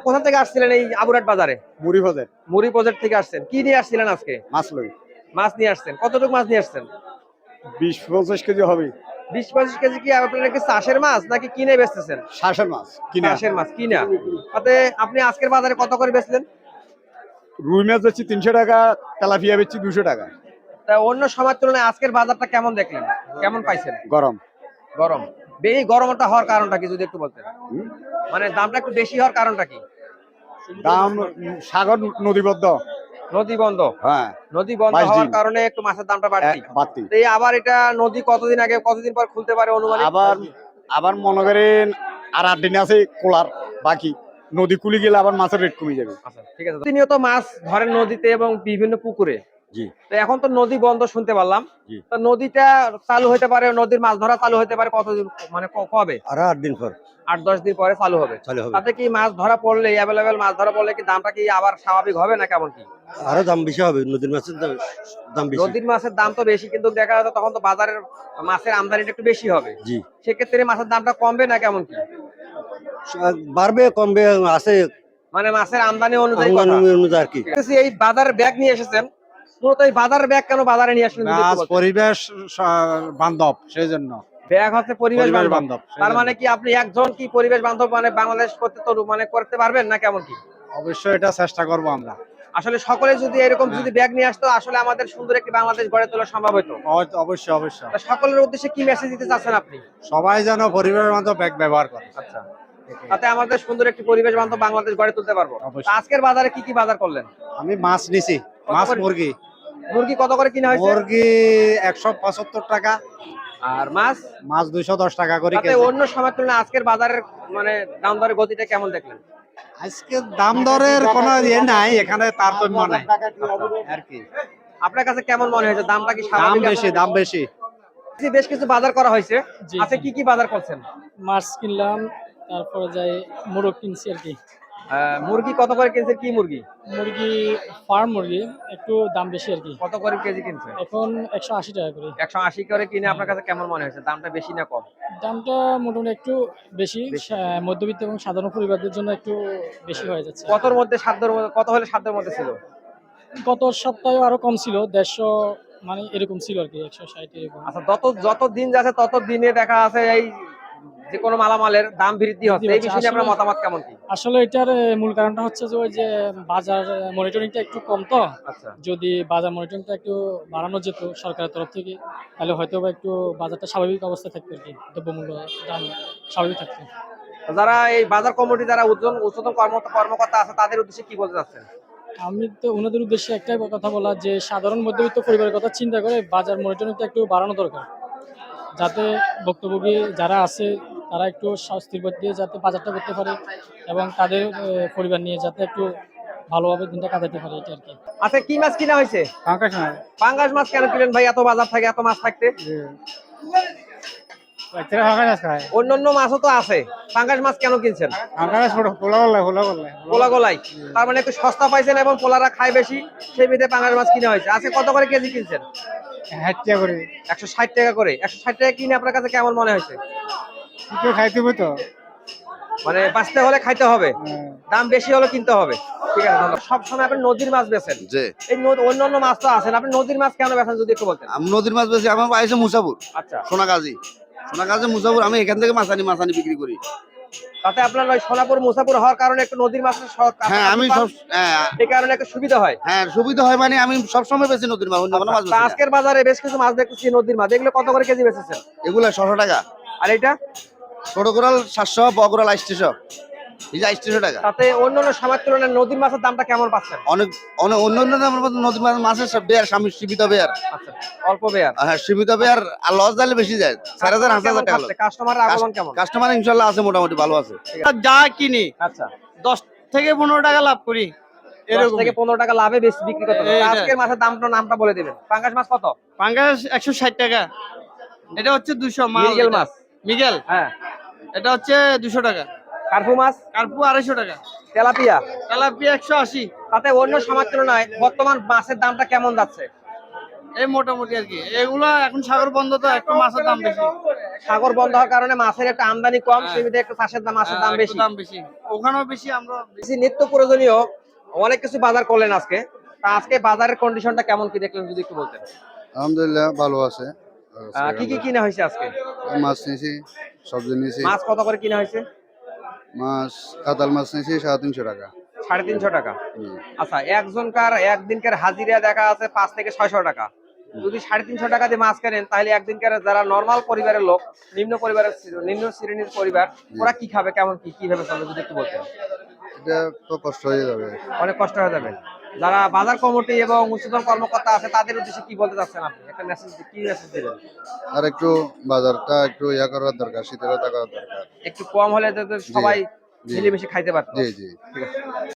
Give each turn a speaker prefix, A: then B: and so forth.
A: কোথা থেকে আসছিলেন এই আবুরাট বাজারে?
B: মুড়ি বাজার।
A: মুড়ি বাজার থেকে আসছেন। কি নিয়ে আসছিলেন আজকে?
B: মাছ লই।
A: মাছ নিয়ে আসছেন। কতটুকু মাছ নিয়ে আসছেন?
B: 20-25 কেজি হবে।
A: 20-25 কেজি কি আপনারা কি চাষের মাছ নাকি কিনে বেচতেছেন?
B: শ্বাসের মাছ কিনা।
A: চাষের মাছ কিনা। তাতে আপনি আজকের বাজারে কত করে বেচলেন?
B: রুই মাছ বেচছি 300 টাকা, তেলাপিয়া বেচছি 200 টাকা।
A: তা অন্য সময়ের তুলনায় আজকের বাজারটা কেমন দেখলেন? কেমন পাইছেন?
B: গরম।
A: গরম। এই গরমটা হওয়ার কারণটা কি যদি একটু বলতেন? মানে দামটা একটু বেশি হওয়ার কারণটা কি?
B: দাম সাগর নদীবদ্ধ।
A: নদী বন্ধ।
B: হ্যাঁ।
A: নদী বন্ধ
B: 22
A: হওয়ার
B: দিন।
A: কারণে একটু মাছের দামটা বাড়তি।
B: বাড়তি।
A: তো এই আবার এটা নদী কতদিন আগে কতদিন পর খুলতে পারে অনুমানিক?
B: আবার মনে করেন আর 8 দিন আছে খোলার বাকি। নদী খুলে গেলে আবার মাছের রেট কমে যাবে।
A: আচ্ছা ঠিক আছে। প্রতিনিয়ত মাছ ধরেন নদীতে এবং বিভিন্ন পুকুরে।
B: জি।
A: তো এখন তো নদী বন্ধ শুনতে পারলাম।
B: জি।
A: তো নদীটা চালু হতে পারে, নদীর মাছ ধরা চালু হতে পারে কতদিন মানে কবে?
B: আর 8 দিন পর
A: 8-10 দিন পরে চালু হবে। তাতে কি মাছ ধরা পড়লে অ্যাভেলেবেল মাছ ধরা পড়লে কি দামটা কি আবার স্বাভাবিক হবে না কেমন কি?
B: আরো দাম বেশি হবে। নদীর মাছের দাম বেশি।
A: নদীর মাছের দাম তো বেশি কিন্তু দেখা যাচ্ছে তখন তো বাজারের মাছের আমদানিটা একটু বেশি হবে।
B: জি।
A: সেক্ষেত্রে মাছের দামটা কমবে না কেমন কি?
B: বাড়বে কমবে আছে
A: মানে মাছের আমদানি অনুযায়ী
B: অনুযায়ী আর কি।
A: এই বাজারের ব্যাগ নিয়ে এসেছেন, মূলত এই বাজারের ব্যাগ কেন বাজারে নিয়ে আসলেন যদি একটু বলতেন?
B: পরিবেশ বান্ধব সেই জন্য।
A: ব্যাগ হচ্ছে পরিবেশ বান্ধব।
B: বান্ধব।
A: তার মানে কি আপনি একজন কি পরিবেশ বান্ধব মানে বাংলাদেশ করতে তো মানে করতে পারবেন না কেমন কি?
B: অবশ্যই এটা চেষ্টা করব আমরা।
A: আসলে সকলে যদি এরকম যদি ব্যাগ নিয়ে আসতো আসলে আমাদের সুন্দর একটি বাংলাদেশ গড়ে তোলা সম্ভব হতো।
B: অবশ্যই অবশ্যই।
A: তা সকলের উদ্দেশ্যে কি মেসেজ দিতে চাচ্ছেন আপনি?
B: সবাই যেন পরিবেশ বান্ধব ব্যাগ ব্যবহার করে।
A: আচ্ছা। তাতে আমাদের সুন্দর একটি পরিবেশ বান্ধব বাংলাদেশ গড়ে তুলতে পারবো। তা আজকের বাজারে কি কি বাজার করলেন?
B: আমি মাছ নিছি। মাছ মুরগি।
A: মুরগি কত করে কিনা হয়েছে?
B: মুরগি 175 টাকা
A: আর মাছ?
B: মাছ 210 টাকা করে
A: তাতে
B: কেজি।
A: অন্য সময়ের তুলনায় আজকের বাজারের মানে দাম দরের গতিটা কেমন দেখলেন?
B: আজকে দাম দরের কোনো ইয়ে নাই, এখানে তারতম্য নাই আর কি।
A: আপনার কাছে কেমন মনে হয়েছে? দামটা কি
B: দাম
A: স্বাভাবিক?
B: বেশি, দাম বেশি।
A: বেশ কিছু বাজার করা হয়েছে।
C: জি,
A: আচ্ছা
C: জি।
A: কি কি বাজার করছেন?
C: মাছ কিনলাম, তারপরে যাই মোরগ কিনছি আর কি।
A: মুরগি কত করে কিনছেন? কি মুরগি?
C: মুরগি ফার্ম মুরগি একটু দাম বেশি আর কি।
A: কত করে কেজি কিনছেন?
C: এখন 180 টাকা করে।
A: 180 করে কিনে আপনার কাছে কেমন মনে হয়েছে? দামটা বেশি না কম?
C: দামটা মোটামুটি একটু বেশি। মধ্যবিত্ত এবং সাধারণ পরিবারদের জন্য একটু বেশি হয়ে যাচ্ছে।
A: কতর মধ্যে সাধ্যের মধ্যে কত হলে সাধ্যের মধ্যে ছিল?
C: গত সপ্তাহে আরো কম ছিল, 150 মানে এরকম ছিল আর কি, 160 এরকম।
A: আচ্ছা যত দিন যাচ্ছে তত দিনে দেখা আছে এই যে কোনো মালামালের দাম বৃদ্ধি হচ্ছে। এই বিষয়ে আপনার মতামত কেমন কি?
C: আসলে এটার মূল কারণটা হচ্ছে যে ওই যে বাজার মনিটরিংটা একটু কম তো।
A: আচ্ছা।
C: যদি বাজার মনিটরিংটা একটু বাড়ানো যেত সরকারের তরফ থেকে তাহলে হয়তো বা একটু বাজারটা স্বাভাবিক অবস্থায় থাকতো আর কি, দ্রব্যমূল্য দাম স্বাভাবিক থাকতো।
A: যারা এই বাজার কমিটি যারা উচ্চতম কর্মকর্তা আছে তাদের উদ্দেশ্যে কি বলতে চাচ্ছেন?
C: আমি তো ওনাদের উদ্দেশ্যে একটাই কথা বলা যে সাধারণ মধ্যবিত্ত পরিবারের কথা চিন্তা করে বাজার মনিটরিংটা একটু বাড়ানো দরকার, যাতে ভুক্তভোগী যারা আছে তারা একটু স্বস্তির পথ দিয়ে যাতে বাজারটা করতে পারে এবং তাদের পরিবার নিয়ে যাতে একটু ভালোভাবে দিনটা কাটাতে পারে, এটা আর কি।
A: আচ্ছা কি মাছ কিনা হয়েছে? পাঙ্গাস মাছ কেন কিনেন ভাই? এত বাজার থাকে এত মাছ থাকতে অন্যান্য মাছও তো আছে, পাঙ্গাস মাছ কেন কিনছেন? পোলা গলাই, তার মানে একটু সস্তা পাইছেন এবং পোলারা খায় বেশি, সেই মিলে পাঙ্গাস মাছ কিনা হয়েছে। আজকে কত করে কেজি কিনছেন? 160 টাকা করে। 160 টাকা কিনে আপনার কাছে কেমন মনে হয়েছে? মানে বাঁচতে হলে খাইতে হবে, দাম বেশি হলে কিনতে হবে। ঠিক আছে, ধন্যবাদ। সবসময় আপনি নদীর মাছ বেচেন, এই অন্যান্য মাছ তো আছেন, আপনি নদীর মাছ কেন বেচেন যদি একটু বলতেন?
D: আমি নদীর মাছ বেশি, আমার বাড়ি মুসাপুর।
A: আচ্ছা।
D: সোনাগাজী মুসাপুর, আমি এখান থেকে মাছ আনি বিক্রি করি।
A: তাতে আপনার ওই সোনাপুর মুসাপুর হওয়ার কারণে একটু নদীর মাছের
D: হ্যাঁ আমি সব
A: এই কারণে একটু সুবিধা হয়।
D: হ্যাঁ সুবিধা হয়, মানে আমি সবসময় বেশি নদীর মাছ, অন্য কোনো মাছ বেশি না।
A: আজকের বাজারে বেশ কিছু মাছ দেখতেছি নদীর মাছ, এগুলো কত করে কেজি বেচেছেন?
D: এগুলা 600 টাকা।
A: আর এটা
D: ছোট কোরাল 700, বড় কোরাল 800, এই যে 800 টাকা।
A: তাতে অন্যান্য সময়ের তুলনায় নদীর মাছের দামটা কেমন পাচ্ছেন?
D: অনেক অন্য নদীর মাছের সব বেয়ার সীমিত বেয়ার।
A: আচ্ছা, অল্প বেয়ার।
D: হ্যাঁ সীমিত বেয়ার, আর লস দিলে বেশি যায়, 4000 5000 টাকা।
A: কাস্টমারের আগমন কেমন?
D: কাস্টমার ইনশাআল্লাহ আছে, মোটামুটি ভালো আছে।
E: যা কিনি
A: আচ্ছা
E: 10 থেকে 15 টাকা লাভ করি,
A: 10 থেকে 15 টাকা লাভে বেশি বিক্রি করতে হবে। আজকের মাছের নামটা বলে দিবেন। পাঙ্গাস মাছ কত?
E: পাঙ্গাস 160 টাকা, এটা হচ্ছে 200
A: মিরগেল মাছ।
E: মিগেল,
A: হ্যাঁ
E: এটা হচ্ছে 200 টাকা।
A: কার্পু মাছ?
E: কার্পু 250 টাকা।
A: তেলাপিয়া?
E: তেলাপিয়া 180।
A: তাতে অন্য সময়ের তুলনায় বর্তমান মাছের দামটা কেমন যাচ্ছে?
E: এই মোটামুটি আর কি। এগুলো এখন সাগর বন্ধ তো একটু মাছের দাম বেশি।
A: সাগর বন্ধ হওয়ার কারণে মাছের একটা আমদানি কম,
E: হ্যাঁ।
A: সেমিতে একটু মাছের দাম
E: একটু
A: বেশি।
E: দাম বেশি, ওখানেও বেশি, আমরা
A: বেশি নিত্য প্রয়োজনীয় অনেক কিছু বাজার করলেন আজকে। তা আজকে বাজারের কন্ডিশনটা কেমন কি দেখলেন যদি একটু বলতেন?
F: আলহামদুলিল্লাহ ভালো আছে।
A: কি কি কিনা হয়েছে আজকে?
F: মাছ নিয়েছি, সবজি নিয়েছি।
A: মাছ কত করে কিনা হয়েছে?
F: মাছ কাতাল মাছ নিয়েছি 350 টাকা।
A: 350 টাকা।
F: জি।
A: আচ্ছা, একজনকার একদিনকার হাজিরা দেখা আছে 5 থেকে 600 টাকা। যদি 350 টাকা দিয়ে মাছ কেনেন তাহলে একদিনকার যারা নরমাল পরিবারের লোক, নিম্ন শ্রেণীর পরিবার, ওরা কি খাবে, কেমন কিভাবে চলবে যদি একটু বলতেন?
F: এটা তো কষ্ট হয়ে যাবে।
A: অনেক কষ্ট হয়ে যাবে। যারা বাজার কমিটি এবং উচ্চতর কর্মকর্তা আছে তাদের উদ্দেশ্যে কি বলতে চাচ্ছেন আপনি? একটা কি মেসেজ দিবেন?
F: আর একটু বাজারটা একটু ইয়া করার দরকার, শীতলতা করার দরকার।
A: একটু কম হলে যাতে সবাই
F: জি।
A: মিলেমিশে খাইতে পারতো।
F: জি জি।
A: ঠিক আছে।